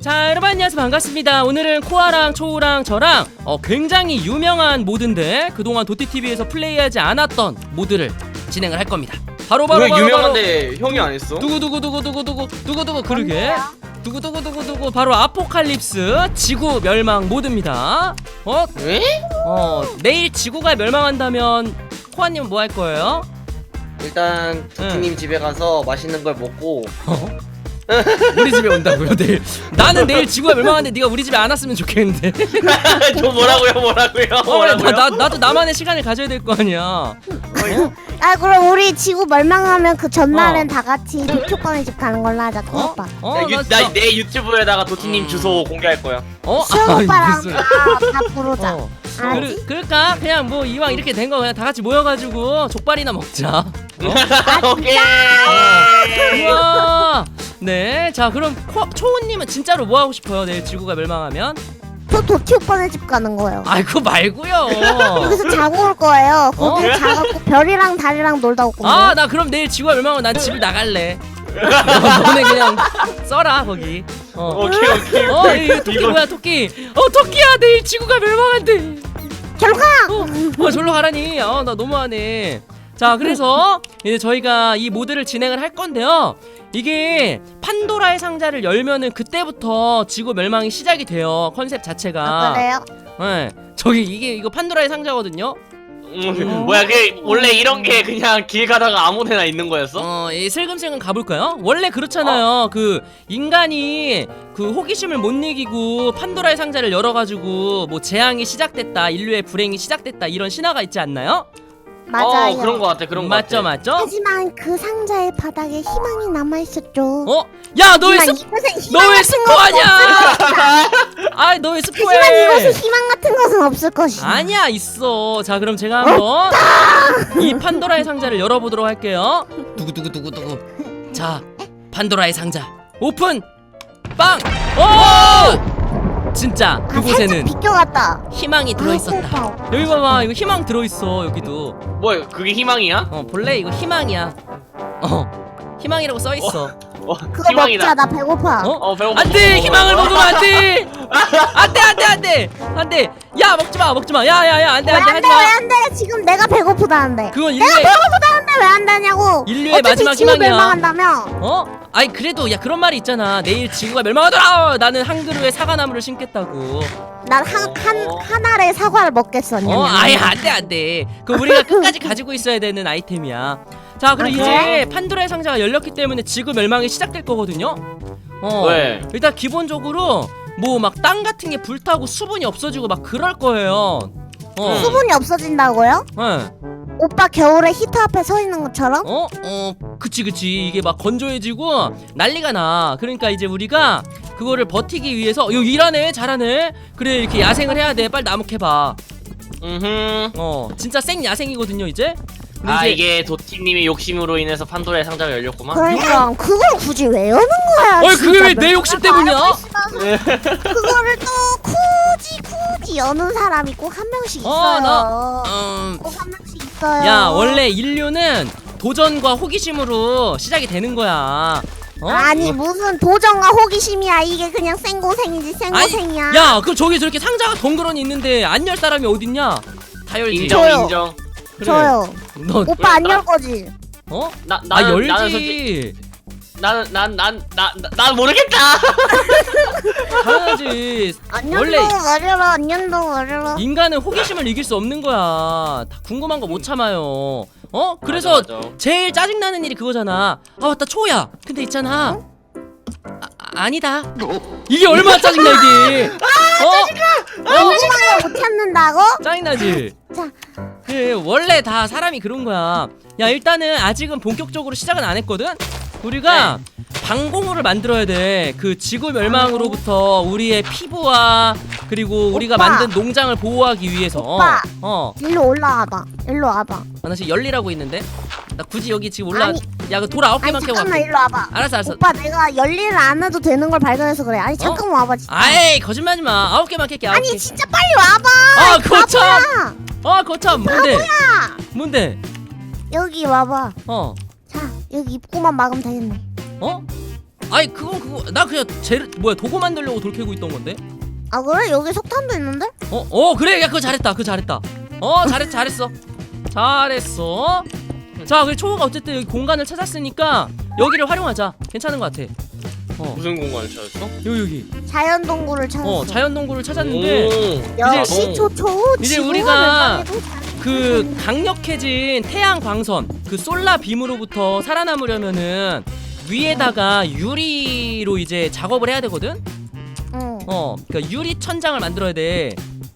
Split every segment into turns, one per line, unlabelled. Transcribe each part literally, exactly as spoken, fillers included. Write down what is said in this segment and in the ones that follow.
자, 여러분 안녕하세요. 반갑습니다. 오늘은 코아랑 초우랑 저랑 어, 굉장히 유명한 모드인데 그동안 도티티비에서 플레이하지 않았던 모드를 진행을 할 겁니다. 바로 바로
왜
바로
유명한데 바로 형이 안 했어?
두구두구두구두구두구 두구두구 그러게 두구두구두구두구 바로 아포칼립스 지구 멸망 모드입니다. 어?
왜?
어 내일 지구가 멸망한다면 코아님은 뭐 할 거예요?
일단 도티님 집에 가서 맛있는 걸 먹고
어? 우리 집에 온다고요 내일? 나는 내일 지구가 멸망하는데 네가 우리 집에 안 왔으면 좋겠는데.
저 뭐라고요 뭐라고요
어,
뭐라고요?
나, 나, 나도 나만의 시간을 가져야 될 거 아니야. 어?
아 그럼 우리 지구 멸망하면 그 전날은
어.
다 같이 도쿄권의 집 가는 걸로 하자. 큰
어?
오빠.
어?
나, 유,
나,
나
진짜-
내 유튜브에다가 도티님
음.
주소 공개할 거야.
어?
수영
아니,
오빠랑
무슨-
다, 다 부르자.
어.
알았지?
그, 그럴까? 그냥 뭐 이왕 이렇게 된 거 그냥 다 같이 모여가지고 족발이나 먹자.
오케이.
우와. 네, 자 그럼 코, 초우님은 진짜로 뭐 하고 싶어요? 내일 지구가 멸망하면?
저 도쿄권의 집 가는 거예요.
아 그거 말고요.
여기서 자고 올 거예요. 거기
어?
자갖고 별이랑 달이랑 놀다 올 건데.
아 나 그럼 내일 지구가 멸망하면 난 집을 나갈래. 너- 너네 그냥 써라 거기. 어.
오케이 오케이.
어, 이 토끼
이거-
뭐야 토끼? 어 토끼야 내일 지구가 멸망한대.
결가
어, 어 절로 가라니. 아 나 너무하네. 자 그래서 이제 저희가 이 모드를 진행을 할 건데요. 이게 판도라의 상자를 열면은 그때부터 지구 멸망이 시작이 돼요. 컨셉 자체가.
아, 그래요?
네. 저기 이게 이거 판도라의 상자거든요.
음, 뭐야 그 원래 이런 게 그냥 길 가다가 아무데나 있는 거였어?
어, 이 슬금슬금 가볼까요? 원래 그렇잖아요. 그 인간이 그 호기심을 못 이기고 판도라의 상자를 열어가지고 뭐 재앙이 시작됐다, 인류의 불행이 시작됐다 이런 신화가 있지 않나요?
맞아요.
어, 그런 거 같아 그런 거
맞죠,
같아.
맞죠?
하지만 그 상자의 바닥에 희망이 남아있었죠.
어? 야, 너 왜
하지만
스,
이것은
너
희망
왜
같은
스포하냐? 아, 너 왜
하지만 이것은
스포해?
희망 같은 것은 없을 것이다.
아니야, 있어. 자, 그럼 제가 한번 이 판도라의 상자를 열어보도록 할게요. 두구두구두구두구. 자, 판도라의 상자 오픈. 빵. 오! 진짜
아,
그곳에는
살짝 비껴갔다.
희망이 들어있었다.
아,
여기 봐봐, 이거 희망 들어있어. 여기도.
뭐야 그게 희망이야?
어, 본래 이거 희망이야. 어, 희망이라고 써있어.
어,
그거
희망이다.
먹자. 나 배고파.
어?
어 배고파.
안돼, 희망을 먹으면 안돼. 안돼, 안돼, 안돼, 안돼. 야, 먹지 마, 먹지 마. 야, 야, 야, 안돼,
왜
안돼,
안
하지
돼? 왜
마.
안 돼? 지금 내가 배고프다는데.
그건
내가
인류의
배고프다는데 왜 안 되냐고.
인류의
어차피
마지막
지구
희망이야.
멸망한다며.
어? 아니 그래도 야 그런 말이 있잖아. 내일 지구가 멸망하더라. 나는 한 그루의 사과나무를 심겠다고.
난 한 한
어.
한 알의 사과를 먹겠었냐.
어, 아예 안돼 안돼. 그 우리가 끝까지 가지고 있어야 되는 아이템이야. 자, 그럼
아,
이제
그래?
판도라의 상자가 열렸기 때문에 지구 멸망이 시작될 거거든요. 어.
왜?
일단 기본적으로 뭐 막 땅 같은 게 불타고 수분이 없어지고 막 그럴 거예요. 어.
수분이 없어진다고요?
네.
오빠 겨울에 히터 앞에 서 있는 것처럼?
어? 어, 그치 그치. 이게 막 건조해지고 난리가 나. 그러니까 이제 우리가 그거를 버티기 위해서 요 일하네, 잘하네. 그래, 이렇게 야생을 해야 돼. 빨리 나무 캐봐.
음흠.
어, 진짜 생 야생이거든요 이제. 근데
아
이제
이게 도티님의 욕심으로 인해서 판도라의 상자가 열렸구만.
그러니까 그걸 굳이 왜 여는 거야?
어이,
진짜
그게 왜 내
몇
욕심
가지
때문이야?
알고 있으면서 그거를 또 굳이 굳이 여는 사람이 꼭 한 명씩 있어요.
어, 나- 음,
꼭 한 명씩 있어요.
야, 원래 인류는 도전과 호기심으로 시작이 되는 거야. 어?
아니 무슨 도전과 호기심이야. 이게 그냥 생고생이지 생고생이야.
야, 그럼 저기 저렇게 상자가 덩그러니 있는데 안 열 사람이 어딨냐? 다 열지.
인정
저요.
인정.
그래.
저요.
너
오빠 안
나-
열 거지?
어?
나
아,
나는
열지.
나는 솔직히 나는 난난난난 모르겠다.
당연하지.
안
원래
연동 어려라. 안 연동 어려라.
인간은 호기심을 이길 수 없는 거야. 다 궁금한 거 못 참아요. 어? 그래서
맞아, 맞아.
제일 짜증나는 일이 그거잖아. 아, 맞다, 초야. 근데 있잖아. 아, 아니다. 이게 얼마나 짜증나 이게. 어?
궁금한 거 못 참는다고?
짜증나지.
자.
예, 원래 다 사람이 그런 거야. 야, 일단은 아직은 본격적으로 시작은 안 했거든. 우리가 방공호를 만들어야 돼. 그 지구 멸망으로부터 우리의 피부와 그리고 우리가
오빠.
만든 농장을 보호하기 위해서.
오빠.
어. 어.
일로 올라와봐. 일로 와봐.
아, 나 지금 열리라고 있는데. 나 굳이 여기 지금 올라.
아니.
야, 그 돌 아홉
아니
개만 캐고
잠깐만
갈게.
일로 와봐.
알았어, 알았어.
오빠 내가 열일을 안 해도 되는 걸 발견해서 그래. 아니 잠깐만 와봐 진짜.
아이, 거짓말하지 마. 아홉 개만 캘게. 아홉
아니
개.
진짜 빨리 와봐.
아, 거참.
바보야.
아, 거참. 뭔데?
바보야.
뭔데?
여기 와봐.
어.
자 여기 입구만 막으면 되겠네.
어? 아니 그건 그거 나 그냥 제 뭐야 도구 만들려고 돌 캐고 있던 건데.
아 그래? 여기 석탄도 있는데?
어, 어 그래 야 그거 잘했다 그거 잘했다. 어 잘했 잘했어 잘했어. 자 그래 초호가 어쨌든 여기 공간을 찾았으니까 여기를 활용하자. 괜찮은 것 같아. 어
무슨 공간을 찾았어?
여기 여기.
자연 동굴을 찾았어.
어 자연 동굴을 찾았는데
오.
역시
오.
초초.
이제
지구와
우리가
멸망에도 잘-
그 강력해진 태양 광선 그 솔라 빔으로부터 살아남으려면은 위에다가 유리로 이제 작업을 해야 되거든.
응.
어 그러니까 유리 천장을 만들어야 돼.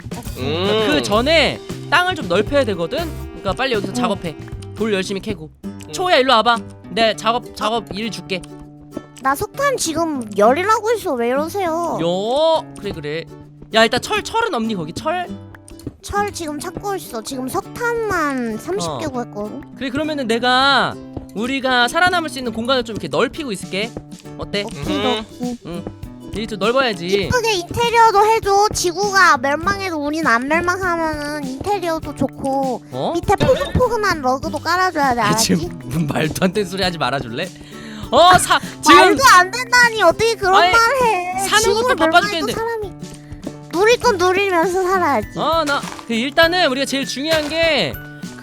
음.
그 전에 땅을 좀 넓혀야 되거든. 그러니까 빨리 여기서
응.
작업해. 돌 열심히 캐고. 초야 일로 와봐. 내 작업 작업 일 줄게.
나 석탄 지금 열이라고 있어. 왜 이러세요?
요 그래 그래. 야 일단 철 철은 없니 거기 철?
철 지금 찾고 있어. 지금 석탄만 삼십
어.
개고 했거든.
그래 그러면은 내가 우리가 살아남을 수 있는 공간을 좀 이렇게 넓히고 있을게. 어때?
오케이,
음.
오케이.
여기 좀 넓어야지.
이쁘게 인테리어도 해줘. 지구가 멸망해도 우린 안 멸망하면은 인테리어도 좋고
어?
밑에 포근포근한 러그도 깔아줘야 돼.
아,
알았지?
지금 말도 안 되는 소리 하지 말아줄래? 어, 사 지금
말도 안 된다니 어떻게 그런
아니,
말을 해.
사는
지구가
것도 바빠
멸망해도
죽겠는데.
사람이 누릴 건 누리면서 살아야지.
어, 나 그 일단은 우리가 제일 중요한 게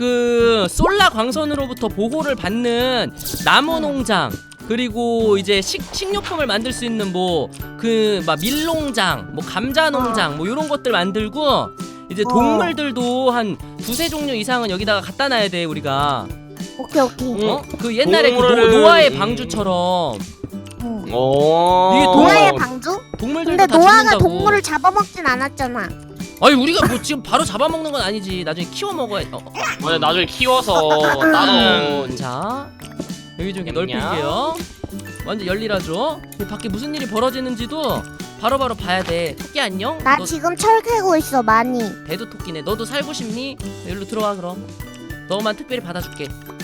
그 솔라 광선으로부터 보호를 받는 나무 농장 그리고 이제 식 식료품을 만들 수 있는 뭐 그 막 밀농장, 뭐 감자 농장 뭐 이런 것들 만들고 이제
어.
동물들도 한 두세 종류 이상은 여기다가 갖다 놔야 돼 우리가.
오케이 오케이.
음.
어? 그 옛날에 그 노,
동물은-
노아의
음.
방주처럼
응.
오.
이게
노아의 방주?
동물들도
근데
다
노아가
죽는다고.
동물을 잡아먹진 않았잖아.
아니 우리가 뭐 지금 바로 잡아먹는 건 아니지. 나중에 키워 먹어야. 어, 어.
맞아, 나중에 키워서 따로.
음, 자 여기 좀 이렇게
안녕.
넓힐게요. 완전 열일하죠. 이 밖에 무슨 일이 벌어지는지도 바로바로 봐야 돼. 토끼 안녕.
나
너
지금 철 캐고 있어 많이.
배도 토끼네. 너도 살고 싶니? 여기로 들어와 그럼. 너만 특별히 받아줄게.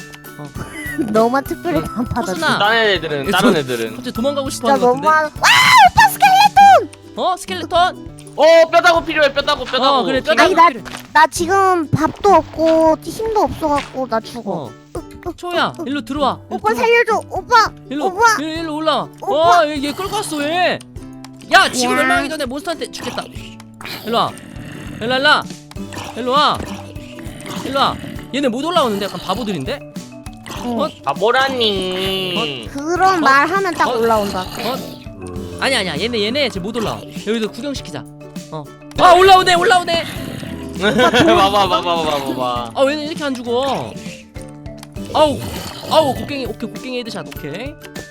너만 특별히
응.
안 받아줘.
호순아.
다른 애들은
예,
다른
저-
애들은.
갑자기 도망가고
진짜
싶어하는 것
너무
같은데.
한...
어 스켈레톤.
어, 뼈다구 필요해. 뼈다구 뼈다구.
어 그래 뼈다귀
아니, 나-
필요해.
나 지금 밥도 없고 힘도 없어갖고 나 죽어.
어 초야 일로 들어와. 일로
오빠
들어와.
살려줘. 오빠.
일로
오빠.
일로, 일로 올라와.
오빠.
어, 얘, 얘 끌고 왔어 왜? 야, 지금
야.
멸망하기 전에 몬스터한테 죽겠다. 일로 와. 일로 와, 일로 와. 일로 와. 일로 와. 얘네 못 올라오는데 약간 바보들인데?
응.
어?
바보라니.
그런 말 하면 딱
어?
올라온다.
어? 아니 아니야. 얘네 얘네 지금 못 올라와. 여기서 구경시키자. 어. 아, 올라오네. 올라오네.
봐봐 봐봐 봐봐 봐봐.
아, 얘네 이렇게 안 죽어. 아우. 아우, 곡괭이. 오케이. 곡괭이 헤드샷. 오케이.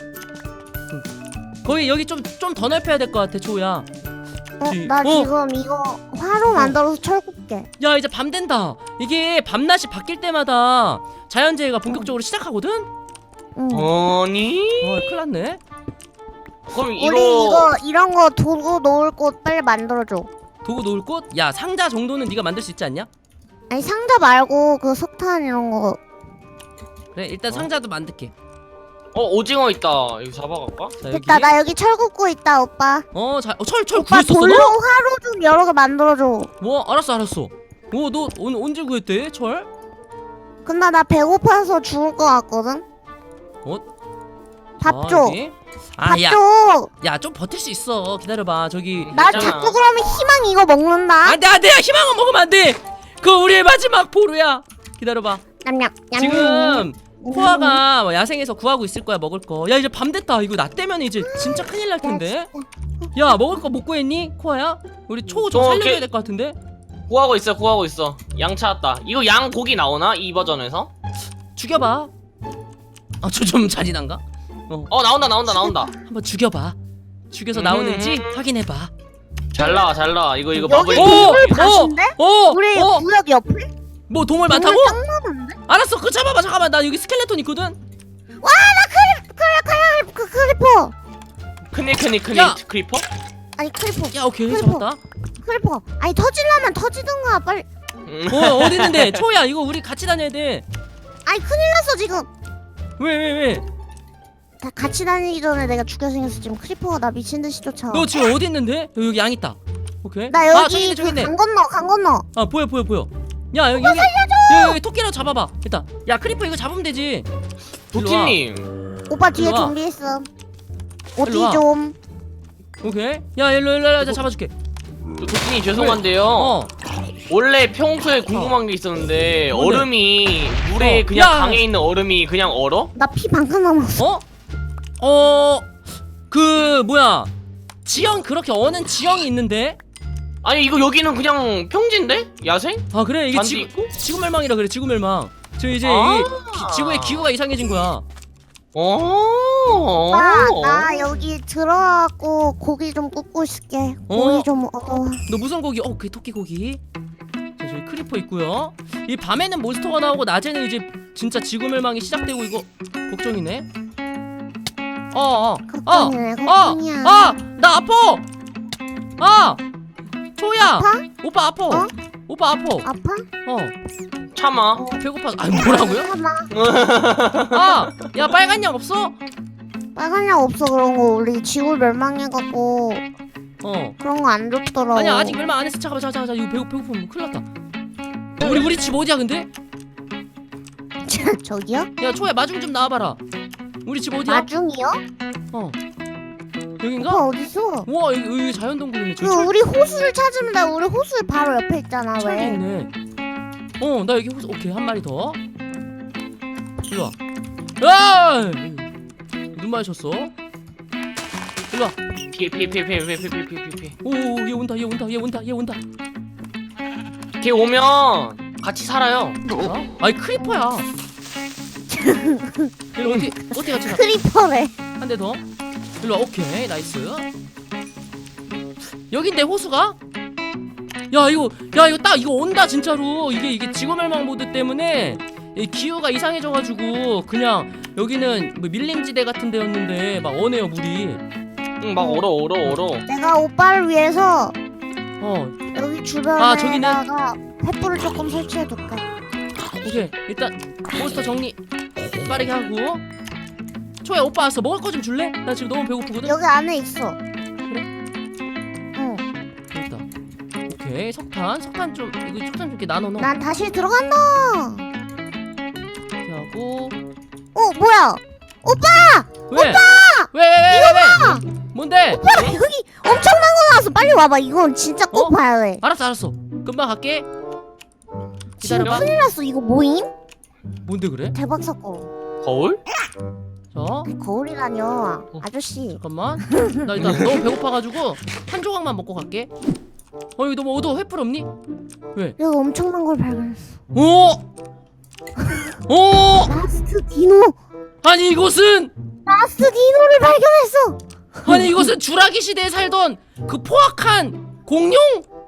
응. 거기 여기 좀 좀 더 넓혀야 될 것 같아, 초야.
어,
지-
나
어.
지금 이거 화로 만들어서 철 굽게.
야 이제 밤 된다. 이게 밤낮이 바뀔 때마다 자연재해가 본격적으로 시작하거든?
응.
아니?
어 큰일 났네.
그럼
우리
이거.
이거 이런 거 도구 놓을 곳 빨리 만들어줘.
도구 놓을 곳? 야 상자 정도는 네가 만들 수 있지 않냐?
아니 상자 말고 그 석탄 이런 거.
그래 일단
어?
상자도 만들게.
어, 오징어 있다. 이거 잡아갈까?
자 여기
됐다. 나 여기 철 굽고 있다, 오빠.
어잘철철
오빠
구했었어
돌로
너?
화로 좀 여러 개 만들어줘.
뭐 알았어 알았어. 오너 언제 구했대 철?
근데 나 배고파서 죽을 것 같거든.
어?
밥
자,
줘.
여기.
밥
아, 야,
줘.
야, 좀 버틸 수 있어. 기다려봐. 저기.
나
있잖아.
자꾸 그러면 희망 이거 먹는다.
안 돼, 안 돼. 희망은 먹으면 안 돼. 그거 우리의 마지막 보루야. 기다려봐.
냠냠. 냠냠.
지금 코아가 뭐 야생에서 구하고 있을 거야 먹을 거. 야 이제 밤 됐다. 이거 나 때면 이제 진짜 큰일 날 텐데. 야 먹을 거 못 구했니 코아야? 우리 초 좀
어,
살려줘야
걔-
될 것 같은데.
구하고 있어 구하고 있어. 양 찾았다. 이거 양 고기 나오나? 이 버전에서?
죽여봐. 아 저 좀 잔인한가?
어, 나온다 나온다 나온다.
한번 죽여봐. 죽여서
음.
나오는지 확인해봐.
잘 나와 잘 나와. 이거 이거
여기
버블.
동물
이거.
밭인데?
어,
우리
어,
구역 옆에?
뭐 동물 많다고?
동물 짱 많은데?
알았어, 그거 잡아봐. 잠깐만, 나 여기 스켈레톤 있거든.
와, 나 크리, 크리, 크리, 그 크리퍼.
크니 크니 크니
야.
크리퍼?
아니 크리퍼,
야, 오케이,
크리퍼.
잡았다.
크리퍼. 아니 터질라면 터지든가 빨리.
음.
어, 어디 있는데? 초야, 이거 우리 같이 다녀야 돼.
아니 큰일 났어 지금.
왜, 왜, 왜?
다 같이 다니기 전에 내가 죽여 생겼어. 지금 크리퍼가 나 미친 듯이 쫓아.
너 지금 어디 있는데? 여기, 여기 양 있다. 오케이.
나
아, 저기
여기
있네, 저기 있네.
그강 건너, 강 건너.
아, 보여, 보여, 보여. 야, 여기, 여기. 여기, 여기 토끼라도 잡아봐. 일단. 야, 크리퍼 이거 잡으면 되지. 일로 와.
도티님.
오빠 뒤에
일로 와.
좀비 있어. 어디
일로 와.
좀.
오케이. 야 일로 일로 일로 잡아줄게.
도끼님 죄송한데요.
어.
원래 평소에 궁금한 게 있었는데
뭔데?
얼음이 물에
어.
그냥
야.
강에 있는 얼음이 그냥 얼어?
나 피 방금 남았어.
어? 어. 그 뭐야? 지형 그렇게 어는 지형이 있는데?
아니 이거 여기는 그냥 평지인데? 야생?
아 그래 이게
잔디
지구
있고?
지구멸망이라 그래 지구멸망. 저 이제
아.
이 기- 지구의 기후가 이상해진 거야.
어.
나, 나 여기 들어가고 고기 좀 굽고 있을게. 고기
어?
좀 얻어.
너 무슨 고기? 어, 그 토끼 고기. 자, 저기 크리퍼 있고요. 이 밤에는 몬스터가 나오고 낮에는 이제 진짜 지구멸망이 시작되고 이거 걱정이네. 어, 어, 어,
걱정이네,
어,
걱정이야.
아, 나 아파. 아, 초야.
아파?
오빠 아파.
어?
오빠 아파.
아파?
어,
참아.
배고파. 아, 뭐라고요?
잠깐만.
아, 야 빨간 약 없어?
빨간 약 없어 그런 거. 우리 지구 멸망해갖고
어.
그런 거 안 좋더라고.
아니야 아직 멸망 안 했어. 잠깐만, 잠깐만, 잠깐만. 이거 배고 배고프면 큰일 났다. 야, 우리 우리 집 어디야 근데?
저기요?
야 초야 마중 좀 나와봐라. 우리 집 어디야?
마중이요?
어.
오빠
여긴가?
어딨어?
우와 여기, 여기 자연동굴이네.
그
저기 철,
우리 호수를 찾으면 돼. 우리 호수 바로 옆에 있잖아.
철도
왜?
있네. 어 나 여기 호수. 오케이 한 마리 더. 일로와. 아! 눈 마주쳤어. 일로와.
피해 피해 피해 피해 피해 피해 피해 피해 피해.
오얘 온다 얘 온다 얘 온다 얘 온다.
걔 오면 같이 살아요.
어? 아이 크리퍼야. 일로 어디 어디 같이 가?
크리퍼래.
한 대 더. 일로 와. 오케이 나이스. 여긴데 호수가? 야 이거 야 이거 딱 이거 온다 진짜로. 이게 이게 지구멸망 모드 때문에 이 기후가 이상해져가지고 그냥 여기는 뭐 밀림지대 같은 데였는데 막 어네요 물이.
응 막 얼어 얼어 얼어.
내가 오빠를 위해서
어
여기
아, 저기는?
주변에다가 횃불을 조금 설치해둘게.
오케이 일단 몬스터 정리 빠르게 하고. 초야 오빠 왔어. 먹을 거 좀 줄래? 나 지금 너무 배고프거든.
여기 안에 있어.
그래?
응.
됐다. 오케이 석탄 석탄 좀 이거 석탄 좀 이렇게 나눠 넣어.
난 다시 들어간다.
이렇게 하고.
어 뭐야? 오빠!
왜? 오빠! 왜? 왜? 왜? 왜? 왜? 뭔데?
오빠 여기 엄청난 거 나왔어. 빨리 와봐. 이건 진짜 꼭
어?
봐야 돼.
알았어 알았어. 금방 갈게.
지금
기다려봐.
큰일 났어. 이거 뭐임?
뭔데 그래?
대박 사건.
거울?
자
거울이라뇨. 아저씨.
잠깐만. 나 일단 너무 배고파가지고 한 조각만 먹고 갈게. 어 여기 너무 어두워. 횃불 없니? 왜?
여기 엄청난 걸 발견했어.
오! 오!
라스트 디노.
아니 이곳은
라스트 디노를 발견했어.
아니 이곳은 주라기 시대에 살던 그 포악한 공룡?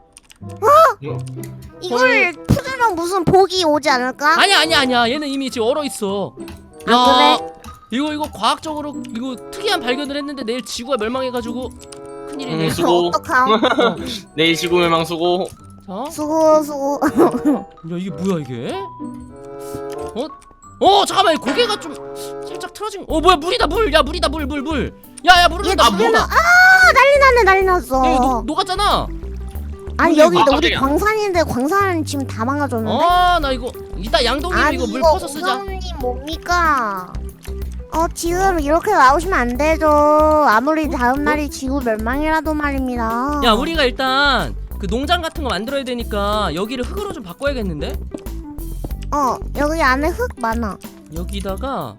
이걸 푸들면 무슨 복이 오지 않을까?
아니야 아니야 아니야. 얘는 이미 지금 얼어 있어.
아,
이거 이거 과학적으로 이거 특이한 발견을 했는데 내일 지구가 멸망해가지고 큰일이네.
음, 수고.
어떡함?
어.
내일 지구멸망 수고.
자,
수고 수고.
야 이게 뭐야 이게? 어? 어 잠깐만 이 고개가 좀 살짝 틀어진. 어 뭐야 물이다 물. 야 물이다 물 물 물. 야야 물을
얘
나
물이
물다.
나- 아 난리 났네 난리 났어.
야 이거 녹, 녹았잖아.
아니
물이
여기
아,
우리
깜짝이야.
광산인데 광산 지금 다 망가졌는데?
아 나 이거 이따 양동이
아니
이거 물
이거
퍼서 쓰자.
우성님 뭡니까? 어 지금 이렇게 나오시면 안 되죠. 아무리 다음 날이 지구 멸망이라도 말입니다.
야 우리가 일단 그 농장 같은 거 만들어야 되니까 여기를 흙으로 좀 바꿔야겠는데?
어 여기 안에 흙 많아.
여기다가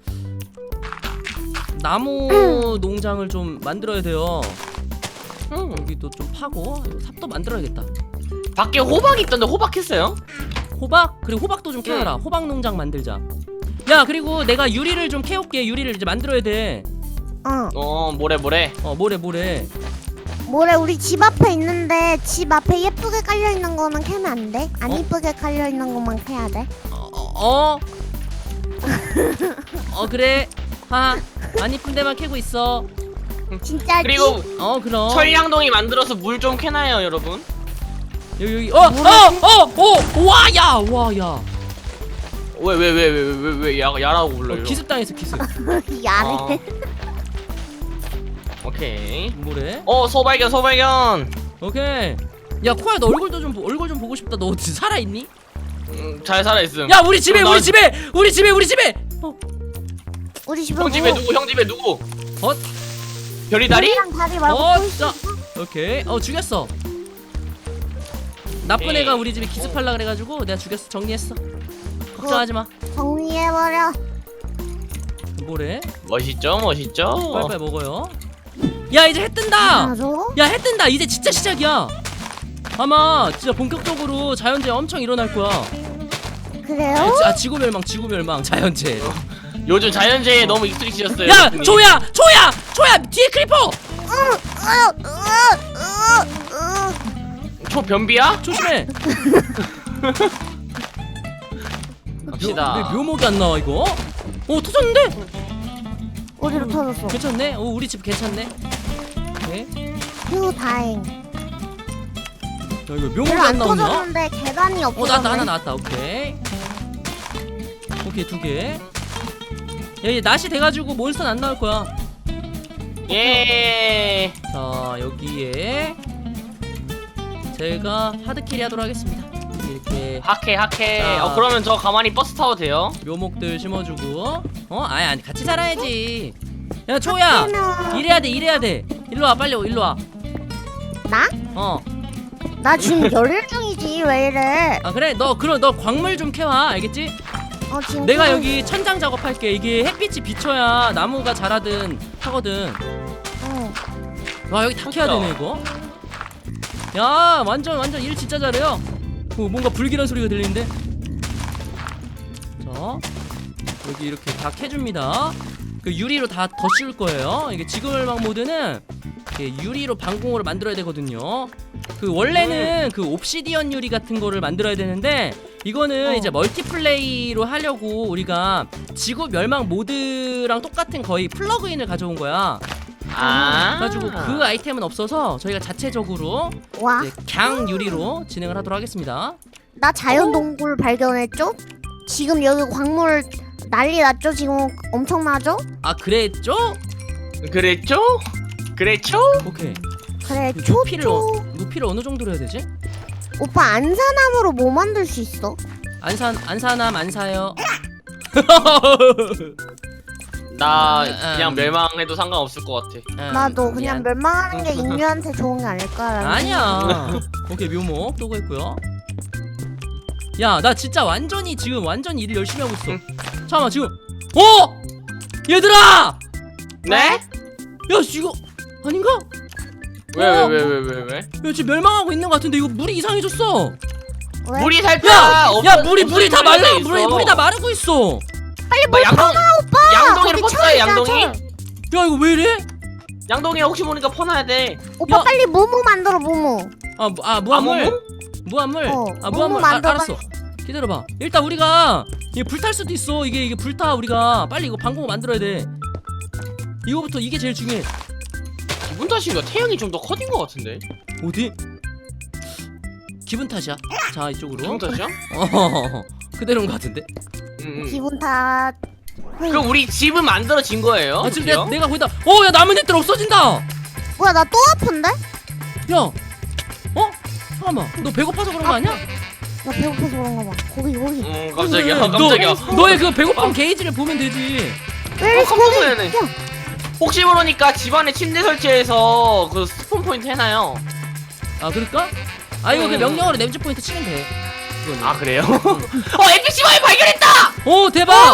나무 농장을 좀 만들어야 돼요.
응.
여기도 좀 파고 삽도 만들어야겠다.
밖에 호박 있던데 호박 했어요?
호박? 그리고 호박도 좀 캐어라. 호박 농장 만들자. 야 그리고 내가 유리를 좀 캐올게. 유리를 이제 만들어야 돼.
어
어 뭐래 뭐래.
어 모래 모래.
뭐래 우리 집 앞에 있는데 집 앞에 예쁘게 깔려 있는 거는 캐면 안 돼? 안
어?
예쁘게 깔려 있는 것만 캐야 돼?
어? 어? 어 그래. 하안 이쁜 데만 캐고 있어.
진짜지?
그리고
어 그럼.
철량동이 만들어서 물 좀 캐나요 여러분?
여기 여기 어어어어와야와야.
왜 왜 왜 왜 왜 왜 야 야라고 불러요?
어, 기습 당했어 기습.
야래.
아. 오케이.
뭐래?
어 소발견 소발견.
오케이. 야 코야 너 얼굴도 좀 보- 얼굴 좀 보고 싶다. 너 어디 살아 있니?
음, 잘 살아 있음.
야 우리 집에
그럼
우리
난-
집에 우리 집에 우리 집에. 어
우리 집에
형 집에
뭐-
누구? 형 집에 누구?
어?
별이 다리?
별이랑 다리 말고
어,
또 있어?
자, 오케이. 어, 죽였어. 나쁜
에이.
애가 우리 집에 기습하려 그래가지고 내가 죽였어. 정리했어. 걱정하지 마.
정리해버려.
뭐래?
멋있죠, 멋있죠.
빨리빨리 먹어요. 야, 이제 해 뜬다.
맞아?
야, 해 뜬다. 이제 진짜 시작이야. 아마 진짜 본격적으로 자연재해 엄청 일어날 거야.
그래요?
아, 지구 멸망, 지구 멸망, 자연재해.
요즘 자연재해에 너무 익숙해지셨어요.
야,
형님.
조야, 조야, 조야, 뒤에 크리퍼.
초 변비야?
조심해.
갑시다.
왜 묘목이 안 나와 이거? 오, 터졌는데?
어디로 터졌어?
괜찮네. 오, 우리 집 괜찮네. 오케이.
휴 다행.
야, 이거 묘목이
별로
안
안
나오냐?
터졌는데 계단이
어,
없어졌네.
나왔다. 하나 나왔다. 오케이. 오케이, 두 개. 야, 이제 낮이 돼가지고 몬스터는 안 나올 거야.
예.
자, 여기에 제가 하드캐리 하도록 하겠습니다. 이렇게
하케 하케.
자.
어 그러면 저 가만히 버스 타도 돼요?
묘목들 심어주고. 어? 아니, 아니, 같이 살아야지. 야, 초야.
그러면-
일해야 돼, 일해야 돼. 일로 와, 빨리 일로 와.
나?
어.
나 지금 열일 중이지 왜 이래?
아, 그래. 너 그럼 너 광물 좀 캐와. 알겠지?
어 지금
내가
좀-
여기 천장 작업할게. 이게 햇빛이 비쳐야 나무가 자라든 하거든.
응.
와, 여기 다 캐야
진짜.
되네 이거. 야, 완전 완전 일 진짜 잘해요. 어, 뭔가 불길한 소리가 들리는데. 자, 여기 이렇게 다 캐줍니다. 그 유리로 다 더 씌울 거예요. 이게 지구멸망 모드는 이렇게 유리로 방공호를 만들어야 되거든요. 그 원래는 그 옵시디언 유리 같은 거를 만들어야 되는데 이거는
어.
이제 멀티플레이로 하려고 우리가 지구 멸망 모드랑 똑같은 거의 플러그인을 가져온 거야.
아.
그래가지고 그 아이템은 없어서 저희가 자체적으로
와,
이제 강 유리로 진행을 하도록 하겠습니다.
나 자연 동굴 발견했죠? 지금 여기 광물 난리 났죠? 지금 엄청나죠?
아, 그랬죠?
그랬죠? 그랬죠?
오케이.
그래,
그
초,
높이를 어,
초.
높이를 어느 정도로 해야 되지?
오빠 안산나무로 뭐 만들 수 있어?
안산 안산함 안 사요.
나
음.
그냥 멸망해도 상관없을 것 같아.
음,
나도 그냥
미안.
멸망하는 게 인류한테 좋은 게 아닐까라는
아니야. 오케이, 묘목 또 했고요. 야, 나 진짜 완전히 지금 완전히 일을 열심히 하고 있어.
응.
잠깐만 지금. 어! 얘들아!
네?
야, 이거 아닌가?
왜
어.
왜 왜 왜 왜 왜?
야, 지금 멸망하고 있는 것 같은데 이거 물이 이상해졌어.
왜?
물이 살펴.
야, 야, 물이 물이 다 말라. 물이 물이 다
말.
마르고 있어.
빨리
뭐
물
양동
오빠!
양동이를
거기
퍼줘요,
철
양동이?
있잖아, 철.
야, 이거 왜 이래?
양동이 혹시 모르니까 퍼놔야 돼.
오빠
야.
빨리 무무 만들어 무무.
아, 무- 아 무한물.
아무무?
무한물.
어,
아,
무무
무한물. 아,
만들어,
알았어. 기다려봐. 일단 우리가 이게 불탈 수도 있어. 이게 이게 불타. 우리가 빨리 이거 방공호 만들어야 돼. 이거부터 이게 제일 중요해.
기분 탓인가? 태양이 좀 더 커진 것 같은데.
어디? 기분 탓이야. 자, 이쪽으로.
기분 탓이야?
어, 그대로인 것 같은데.
응, 응.
기분 탓.
그럼 우리 집은 만들어진 거예요?
아, 지금
그죠?
내가, 내가 거기다. 어, 야, 나뭇잎들 없어진다.
뭐야 나 또 아픈데?
야, 어? 잠깐만. 너 배고파서 그런 거 아니야?
나 배고파서 그런가 봐. 거기 거기.
음 깜짝이야.
너,
깜짝이야.
너의 그 배고픔 게이지를 보면 되지.
왜
어, 깜짝
거기?
놀랐네.
야,
혹시 모르니까 집안에 침대 설치해서 그 스폰 포인트 해놔요.
아, 그럴까? 아, 이거 그
음.
명령어로 램즈 포인트 치면 돼. 그거는.
아 그래요? 어 엔피씨 마을 발견했다!
오, 대박!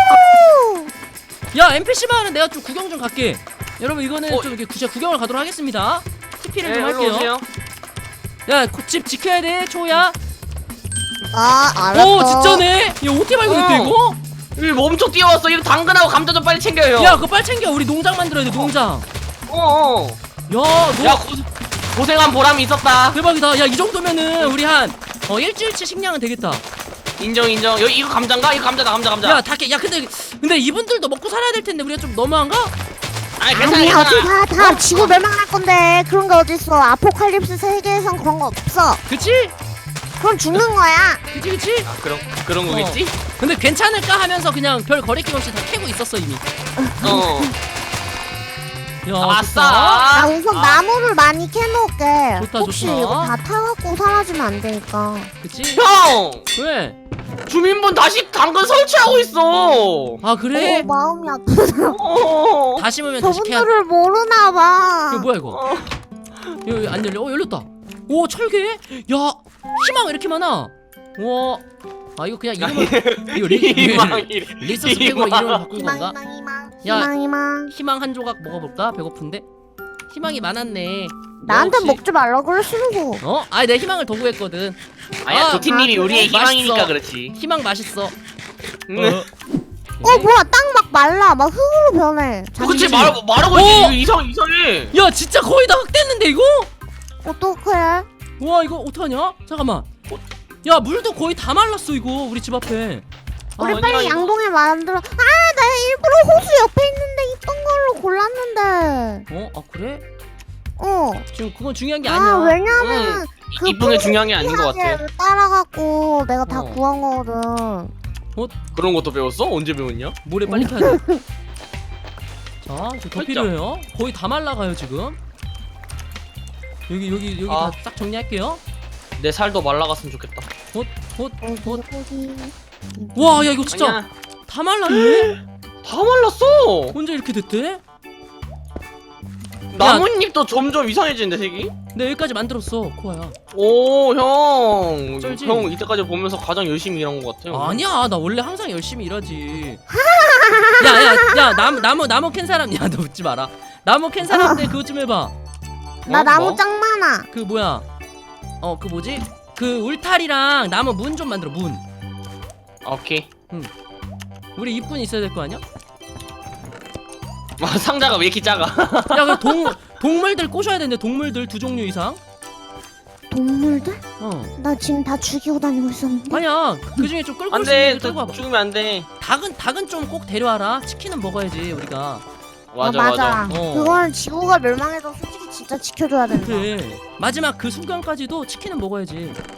야, 엠피씨 마을은 내가 좀 구경 좀 갈게. 여러분, 이거는
어.
좀 이렇게 구, 구경을 가도록 하겠습니다. 티피를
네,
좀
일로
할게요.
오세요.
야, 그 집 지켜야 돼, 초야.
아 알았어.
오, 진짜네. 야, 어떻게 발견했대,
어.
이거?
이거 엄청 뛰어왔어. 이거 당근하고 감자 좀 빨리 챙겨요.
야, 그거 빨리 챙겨. 우리 농장 만들어야 돼, 농장.
어어.
야, 너
야 고, 고생한 보람이 있었다.
대박이다. 야, 이 정도면은 우리 한 어, 일주일치 식량은 되겠다.
인정 인정. 여기 이거 감자인가? 이거 감자다 감자 감자.
야, 닭게. 야, 근데 근데 이분들도 먹고 살아야 될 텐데 우리가 좀 너무한가?
아니 괜찮아
아니 어디
괜찮아.
다다 지구 멸망할 건데 그런 게 어딨어? 아포칼립스 세계에선 그런 거 없어.
그치?
그럼 죽는 거야.
그치, 그치?
아 그런 그런
어.
거겠지?
근데 괜찮을까 하면서 그냥 별 거리낌 없이 다 캐고 있었어 이미.
어.
야,
아싸.
좋다.
나 우선
아.
나무를 많이 캐놓을게.
좋다,
혹시
좋다.
이거 다 타갖고 사라지면 안 되니까.
그치?
형!
왜?
주민분 다시 당근 설치하고 있어.
아 그래?
어, 마음이 아프다.
어.
다 심으면 다시 캐야.
저분들을 모르나 봐.
이거 뭐야 이거?
어.
이거 이거 안 열려? 어 열렸다. 오 철개? 야 희망 왜 이렇게 많아? 와. 아 이거 그냥 이름을 이거 리,
희망이래.
리소스 팩으로
희망.
이름을 바꾼
희망,
건가?
희망, 희망.
야.
희망, 희망.
희망 한 조각 먹어볼까? 배고픈데? 희망이 많았네.
나한테
혹시-
먹지 말라고 그랬으고.
어? 아니 내 희망을 더 구했거든.
아니야
아,
도티님이
아,
우리의
그래?
희망이니까
맛있어.
그렇지.
희망 맛있어.
응.
어, 뭐야, 땅 막 말라. 막 흙으로 변해.
그치
자기지.
말 말하고
오!
있지. 이상 이상해.
야 진짜 거의 다 흑됐는데 이거?
어떡해?
와 이거 어떡하냐? 잠깐만. 어, 야 물도 거의 다 말랐어 이거 우리 집 앞에.
우리
아니야,
빨리
이거-
양동이 만들어. 아, 나 일부러 호수 옆에 있는데 이쁜 걸로 골랐는데.
어? 아 그래?
어.
지금 그건 중요한 게
아,
아니야.
왜냐면 그
이쁜 게 중요한 게 아닌 것 같아.
하게 따라갖고 내가 다
어.
구한 거거든.
그런 것도 배웠어? 언제 배웠냐?
모래 빨리 켜야 돼. 자, 이제 더
살짝.
필요해요. 거의 다 말라가요 지금. 여기 여기 여기
아.
다 싹 정리할게요.
내 살도 말라갔으면 좋겠다.
헛, 헛, 헛.
어디?
와, 야 이거 진짜
아니야.
다 말랐네.
다 말랐어.
언제 이렇게 됐대?
나뭇잎도 점점 이상해지는데 색이?
내 여기까지 만들었어, 코아야.
오, 형.
쩔지?
형 이때까지 보면서 가장 열심히 일한 것 같아요.
아니야, 나 원래 항상 열심히 일하지. 야, 야, 야, 나무 나무 나무 캔 사람, 야, 너 웃지 마라. 나무 캔 사람들 그거 좀 해봐.
나
어?
나무
뭐?
짱 많아.
그 뭐야? 어, 그 뭐지? 그 울타리랑 나무 문 좀 만들어, 문.
오케이.
우리 이쁜 있어야 될 거 아니야?
아, 상자가 왜 이렇게 작아?
야, 그 동 동물들 꼬셔야 되는데 동물들 두 종류 이상.
동물들?
어.
나 지금 다 죽이고 다니고 있었는데.
아니야. 그 중에 좀 끌고
안
올수 있는
돼.
애들 끌고 와봐.
죽으면 안 돼.
닭은 닭은 좀 꼭 데려와라. 치킨은 먹어야지 우리가.
맞아,
아,
맞아.
어.
그건 지구가 멸망해서 솔직히 진짜 지켜줘야 된다.
그래. 마지막 그 순간까지도 치킨은 먹어야지.